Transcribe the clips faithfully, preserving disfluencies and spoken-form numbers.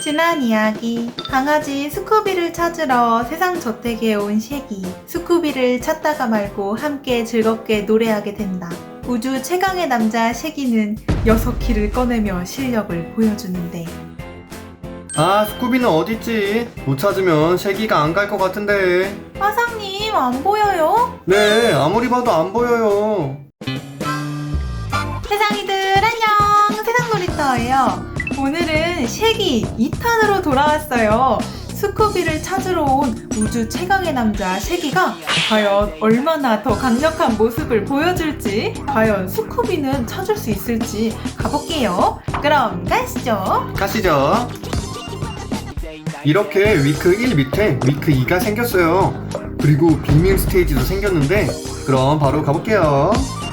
지난 이야기. 강아지 스쿠비를 찾으러 세상 저택에 온 쉐기. 스쿠비를 찾다가 말고 함께 즐겁게 노래하게 된다. 우주 최강의 남자 쉐기는 여섯 키를 꺼내며 실력을 보여주는데, 아, 스쿠비는 어딨지? 못 찾으면 쉐기가 안 갈 것 같은데. 화상님 안 보여요? 네, 아무리 봐도 안 보여요. 세상이들 안녕! 세상 놀이터예요. 오늘은 쉐기 이 탄으로 돌아왔어요. 스쿠비를 찾으러 온 우주 최강의 남자 쉐기가 과연 얼마나 더 강력한 모습을 보여줄지, 과연 스쿠비는 찾을 수 있을지 가볼게요. 그럼 가시죠. 가시죠. 이렇게 위크 일 밑에 위크 이가 생겼어요. 그리고 비밀 스테이지도 생겼는데, 그럼 바로 가볼게요.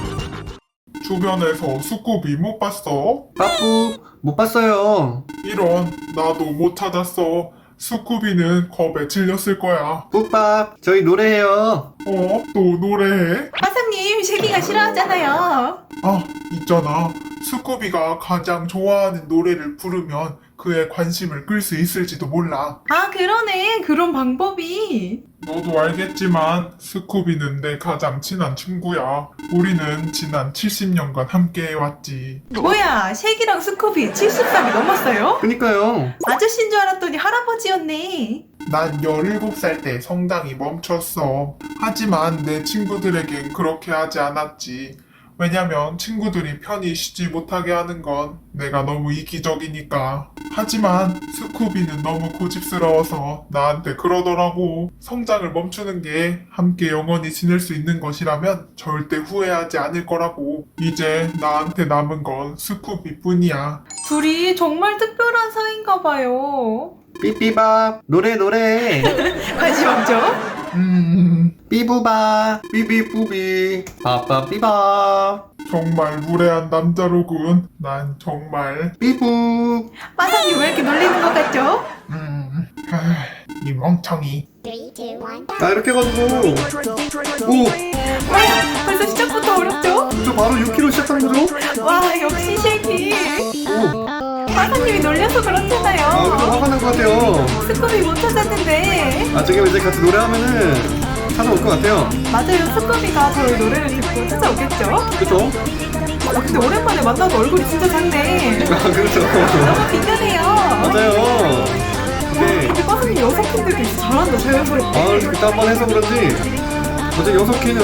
주변에서 스쿠비 못 봤어? 빠뿌, 못 봤어요. 이런, 나도 못 찾았어. 스쿠비는 겁에 질렸을 거야. 뿌밥, 저희 노래해요. 어? 또 노래해? 화상님 쉐기가 싫어하잖아요. 아, 있잖아. 스쿠비가 가장 좋아하는 노래를 부르면 그의 관심을 끌 수 있을지도 몰라. 아 그러네. 그런 방법이. 너도 알겠지만 스쿠비는 내 가장 친한 친구야. 우리는 지난 칠십 년간 함께 해왔지. 뭐야, 쉐기랑 스쿠비 칠십 살이 넘었어요? 그니까요. 아저씨인 줄 알았더니 할아버지였네. 난 열일곱 살 때 성장이 멈췄어. 하지만 내 친구들에겐 그렇게 하지 않았지. 왜냐면 친구들이 편히 쉬지 못하게 하는 건 내가 너무 이기적이니까. 하지만 스쿠비는 너무 고집스러워서 나한테 그러더라고. 성장을 멈추는 게 함께 영원히 지낼 수 있는 것이라면 절대 후회하지 않을 거라고. 이제 나한테 남은 건 스쿠비뿐이야. 둘이 정말 특별한 사이인가 봐요. 삐삐밥, 노래 노래. 관심 없죠? 음... 삐부바, 삐비뿌비, 빠빠삐밥, 정말 무례한 남자로군. 난 정말... 삐부. 마사님 왜 이렇게 놀리는 것 같죠? 음... 하... 이 멍청이. 아, 이렇게 해가지고. 오, 와, 벌써 시작부터 어렵죠? 저 바로 육 킬로그램 시작하는 거죠? 와, 역시 쉐기. 오, 마사님이 놀려서 아, 좀 그렇잖아요. 화가 난 것 같아요. 스쿠비 못 찾았는데. 아, 지금 이제 같이 노래하면은 찾아올 것 같아요. 맞아요, 스쿠비가 저희 노래를 듣고 찾아오겠죠? 그쵸? 아, 근데 오랜만에 만나도 얼굴이 진짜 작네. 아, 그렇죠. 너무 빈견해요. 맞아요. 네. 근데 마사님 여섯 캔들도 진짜 잘한다, 자연스럽게. 아, 그때 한 번 해서 그런지 어제 여섯 키는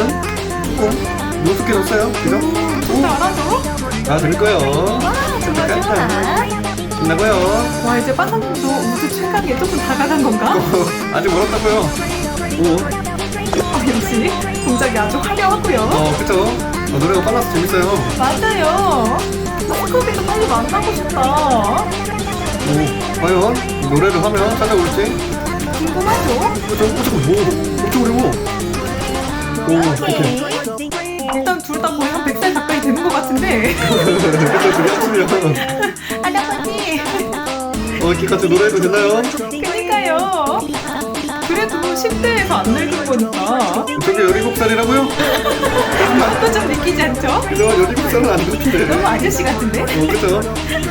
조금 노숙해졌어요. 그죠? 진짜 알아줘? 아, 될 거예요. 좋아, 좋아. 끝나고요. 와, 이제 빠사님도 우주 최강에 조금 다가간 건가? 아직 멀었다고요. 오, 아, 역시 동작이 아주 화려하고요. 어, 그쵸? 어, 노래가 빨라서 재밌어요. 맞아요. 스쿠비도 빨리 만나고 싶다. 오, 과연 노래를 하면 찾아올지? 궁금하죠? 어, 저, 어, 잠깐, 뭐, 엄청 어려워. 오, 오케이. 일단 둘 다 거의 한 백 살 가까이 되는 것 같은데. 그쵸, 그게 합치면. 할아버지. 어, 이렇게 같이 노래해도 되나요? 그니까요. 그래도 십 대에서 안 늙은 거니까. 저게 열일곱 살이라고요? 그것도 좀 느끼지 않죠? 그죠? 열일곱 살은 안 좋던데. 너무 아저씨 같은데? 어, 그쵸?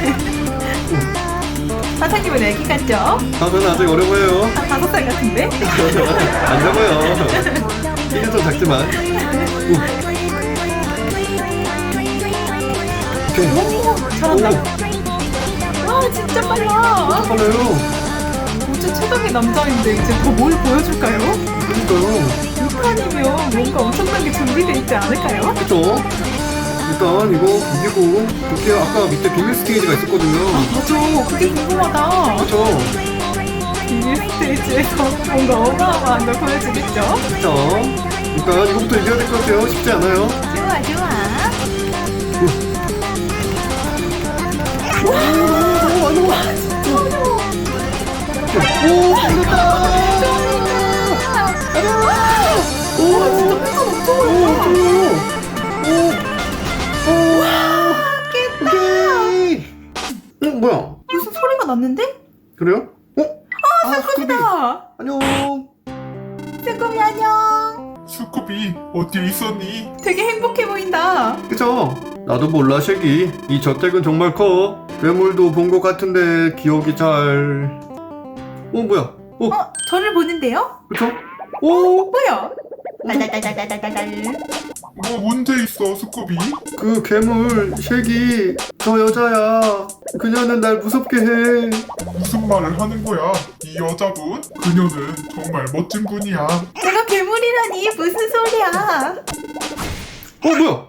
사장님은 애기 같죠? 아, 저는 아직 어려 보여요. 한 다섯 살 같은데? 안 작아요. 이게 좀 작지만. 오. 오케이. 오, 잘한다. 와, 진짜 빨라. 빨라요. 우주 최강의 남자인데 이제 더 뭘 보여줄까요? 그러니까요. 이 판이면 뭔가 엄청난 게 준비되어 있지 않을까요? 그쵸? 일단 이거 이기고 이렇게 아까 밑에 비밀 스테이지가 있었거든요. 맞아, 그게 궁금하다. 그쵸? 비밀 스테이지에서 뭔가 어마어마한 걸 보여주겠죠? 그쵸? 일단 이거부터 이겨야 될 것 같아요. 쉽지 않아요. 좋아, 좋아. 오, 오, 안 와. 오, 이겼다. 오, 진짜 패가 엄청 오, 어렵다. 오, 오, 오, 오케이. 어, 뭐야? 무슨 소리가 났는데? 그래요? 어? 아, 스쿠비. 아, 안녕. 스쿠비 안녕. 스쿠비 어디에 있었니? 되게 행복해 보인다. 그쵸? 나도 몰라, 쉐기. 이 저택은 정말 커. 괴물도 본 것 같은데 기억이 잘... 어 뭐야? 어 어, 저를 보는데요? 그쵸? 오! 뭐야? 딸딸딸딸딸딸. 뭐 문제 있어, 스쿠비? 그 괴물 쉐기 저 여자야. 그녀는 날 무섭게 해. 무슨 말을 하는 거야? 이 여자분? 그녀는 정말 멋진 분이야. 제가 괴물이라니 무슨 소리야? 어 뭐야?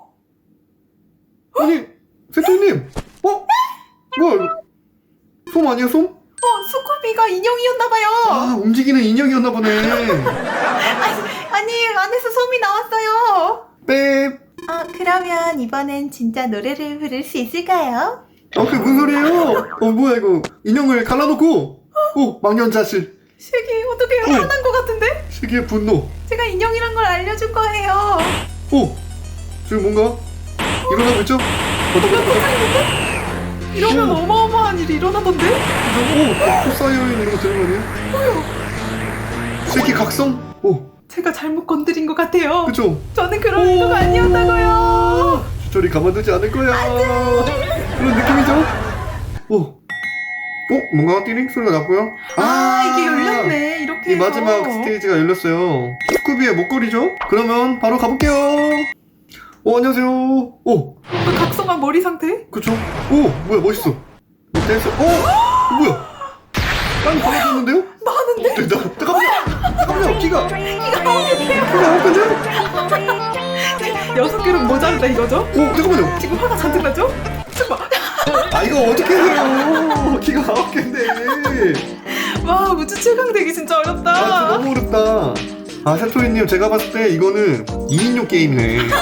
아니 세토님 어? 뭐야 이거? 솜 아니야 솜? 어, 스쿠비가 인형이었나봐요. 아 움직이는 인형이었나 보네. 아니, 안에서 솜이 나왔어요. 뺍. 아, 그러면 이번엔 진짜 노래를 부를 수 있을까요? 어 그게 무슨 소리예요? 어 뭐야 이거 인형을 갈라놓고 오 망연자실. 쉐기, 어떻게 어. 화난 것 같은데? 쉐기의 분노. 제가 인형이란 걸 알려줄 거예요. 오 지금 뭔가 일어나고 있죠? 어떡해? 이러면 오. 어마어마한 일이 일어나던데? 오 코사이어인 이런 거 되는 거 아니에요? 쉐기 각성? 오 제가 잘못 건드린 것 같아요. 그쵸? 저는 그런 오. 의도가 아니었다고요. 저리 가만두지 않을 거야. 그런 느낌이죠? 오. 어? 뭔가 띠링 소리가 났고요. 아, 이게 열렸네. 이렇게 이 해서. 마지막 스테이지가 열렸어요. 스쿠비의 목걸이죠? 그러면 바로 가볼게요. 오, 안녕하세요. 오, 그 각성한 머리 상태? 그쵸? 오, 뭐야, 멋있어. 댄스, 오! 뭐야? 땅이 갈라졌는데요? 나는데? 나, 잠깐만요! 잠깐만요! 키가! 이가 나오겠네요. 키가 나왔거든요? 여섯 개로 모자르다 이거죠? 오, 잠깐만요! 지금 화가 잔뜩 나죠? 잠깐. 아, 이거 어떻게 해요? 키가 아홉 개인데. 와, 우주 최강 되기 진짜 아, 어렵다. 진짜 너무 어렵다. 아, 세토리님, 제가 봤을 때 이거는 이 인용 게임이네. 이게.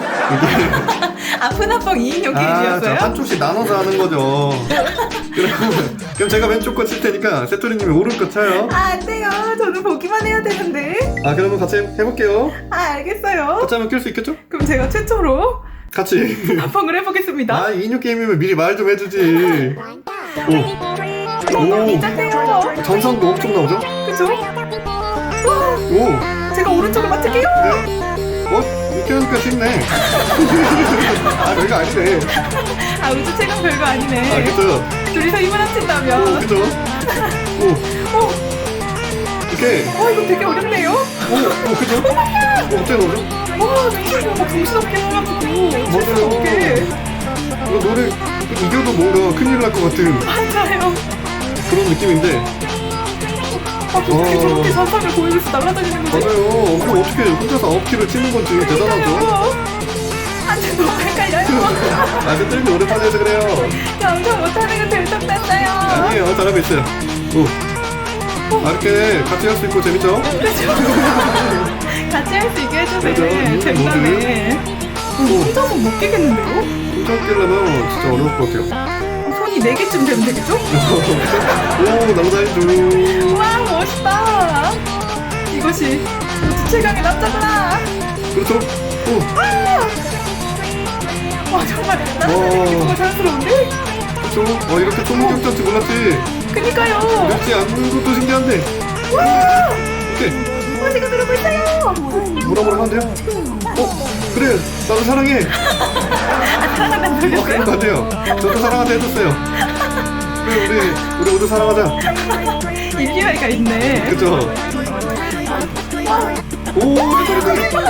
아픈 한방 이인용 아, 자, 게임이었어요? 한쪽씩 나눠서 하는 거죠. 그럼, 그럼 제가 왼쪽 거 칠 테니까 세토리님이 오른쪽 거 쳐요. 아, 안 돼요. 저는 보기만 해야 되는데. 아, 그러면 같이 해볼게요. 아, 알겠어요. 같이 하면 낄 수 있겠죠? 그럼 제가 최초로 같이. 합방을 해보겠습니다. 아, 이 인용 게임이면 미리 말 좀 해주지. 오. 오, 오. 긴장돼요. 전선도 엄청 나오죠? 그죠? 와, 오. 제가 오른쪽을 맡을게요. 네. 어? 이렇게 하니까 쉽네. 아, 별거 아니네. 아, 우주 최강 별거 아니네. 아, 그죠? 둘이서 힘을 오, 합친다면. 그죠? 오. 어, 이렇게. 어, 이거 되게 어렵네요. 오, 오, 그죠? 어, 어떻게 나오죠? 와, 정신이 막 정신없게 해가지고. 정신없게. 이거 노래 이겨도 뭔가 큰일 날 것 같은 맞아요. 그런 느낌인데. 아, 어떻게 어. 저렇게 자상을 보여줘서 날아다니는 거지? 맞아요. 그럼 어떻게 혼자서 아홉 킬을 치는 건지 대단하죠? 안돼, 너무 헷갈려요. 아, 세토리님 오랜만에 해서 그래요. 영상 못하는 거 들썩났어요. 아니에요. 잘하고 있어요. 오. 아, 이렇게 같이 할 수 있고 재밌죠? 같이 할 수 있게 맞아. 해주네. 음, 재밌네. 혼자서 못 깨겠는데요? 혼자 끼려면 진짜 어려울 것 같아요. 손이 네 개쯤 되면 되겠죠? 오, 남자인 와, 멋있다. 이것이 우주 최강의 남자구나. 그렇죠? 오, 와, 정말 날아다니는 게 정말 자연스러운데? 그렇죠? 어, 이렇게 총격전지 몰랐지? 그니까요. 맵지 않는 것도 신기한데. 와, 이렇게 멋지가 들어오고 있어요. 뭐라 뭐라 하면 돼요? 어, 그래, 나도 사랑해. 아, 사랑한다는 어, 그런 소리였어요? 거 같아요. 저도 사랑한다 해줬어요. 그래, 우리, 우리 모두 사랑하자. 일리화가 있네. 그쵸? 오, 이렇게, 이렇게.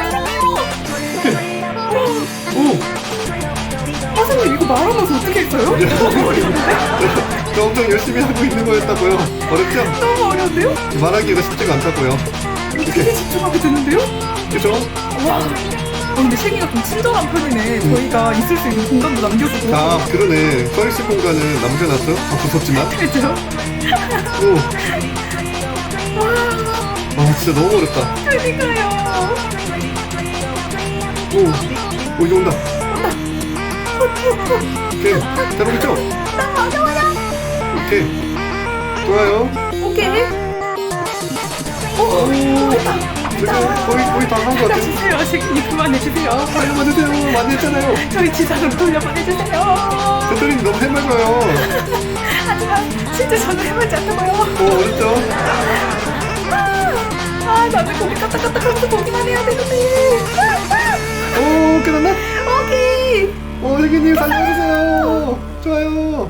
오, 아, 선생님 이거 말하면서 어떻게 했어요? 너무 어려운데? 저 엄청 열심히 하고 있는 거였다고요. 어렵죠? 너무 어려운데요? 말하기가 쉽지가 않다고요. 되게 집중하게 되는데요? 그쵸? 와. 어, 근데 쉐기가 좀 친절한 편이네. 저희가 있을 수 있는 공간도 남겨주고. 아, 그러네. 서있을 공간은 남겨놨죠? 아, 무섭지만. 그죠? 오. 아, 진짜 너무 어렵다. 그니까요. 오, 오, 이제 온다. 오케이. 잘하겠죠? 오케이. 좋아요. 오케이. 오, 오, 됐다. 이제 거의, 거의 다 한 것 같아요. 해주세요. 쉐기님 그만해주세요. 돌려보내세요. 많이 했잖아요. 저희 지상으로 돌려보내주세요. 대표님 너무 해맑아요. 하지만 진짜 저는 해보지 않다고요. 오, 어렵죠? 아, 나는 거기 까딱까딱 하면서 보기만 해야 되는데. 오, 끝났나? 오케이. 어, 세기님 살려주세요. 좋아요.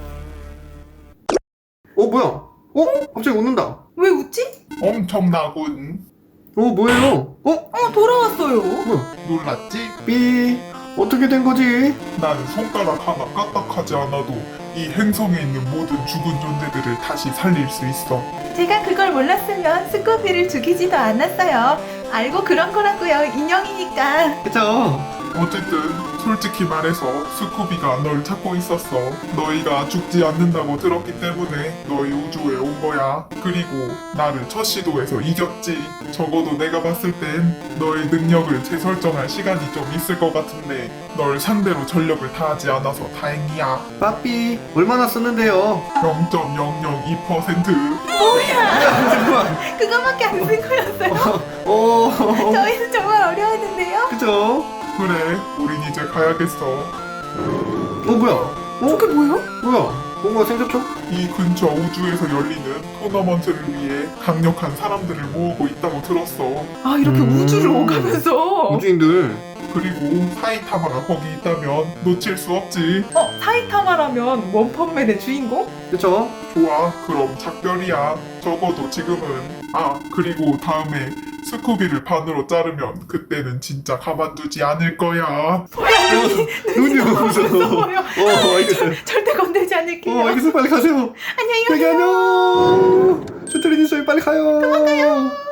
어, 뭐야? 어, 갑자기 웃는다. 왜 웃지? 엄청나군. 어, 뭐예요? 어, 어, 돌아왔어요. 뭐야? 놀랐지? 삐, 어떻게 된 거지? 난 손가락 하나 까딱하지 않아도 이 행성에 있는 모든 죽은 존재들을 다시 살릴 수 있어. 제가 그걸 몰랐으면 스쿠비를 죽이지도 않았어요. 알고 그런 거라고요. 인형이니까. 그쵸? 어쨌든 솔직히 말해서 스쿠비가 널 찾고 있었어. 너희가 죽지 않는다고 들었기 때문에 너희 우주에 온 거야. 그리고 나를 첫 시도에서 이겼지. 적어도 내가 봤을 땐 너의 능력을 재설정할 시간이 좀 있을 것 같은데 널 상대로 전력을 다하지 않아서 다행이야. 빠삐, 얼마나 썼는데요? 영 점 영영이 퍼센트. 잠깐만. 그거밖에 안 쓴 거였어요. 어, 저희는 정말 어려웠는데요. 그죠? 그래, 우린 이제 가야겠어. 어, 뭐야? 어? 저게 뭐예요? 뭐야? 뭔가 생겼죠? 이 근처 우주에서 열리는 토너먼트를 위해 강력한 사람들을 모으고 있다고 들었어. 아, 이렇게 음. 우주를 오가면서. 우주인들. 그리고 사이타마가 거기 있다면 놓칠 수 없지. 어, 사이타마라면 원펀맨의 주인공? 그쵸? 좋아, 그럼 작별이야. 적어도 지금은. 아, 그리고 다음에 스쿠비를 반으로 자르면 그때는 진짜 가만두지 않을 거야. 눈이 너무 무서워. 무서워요. 어, 알겠어요. 절대 건들지 않을게요. 어, 알겠어요. 빨리 가세요. 안녕히 여기 가세요. 안녕. 슈트리니 씨 빨리 가요. 도망가요.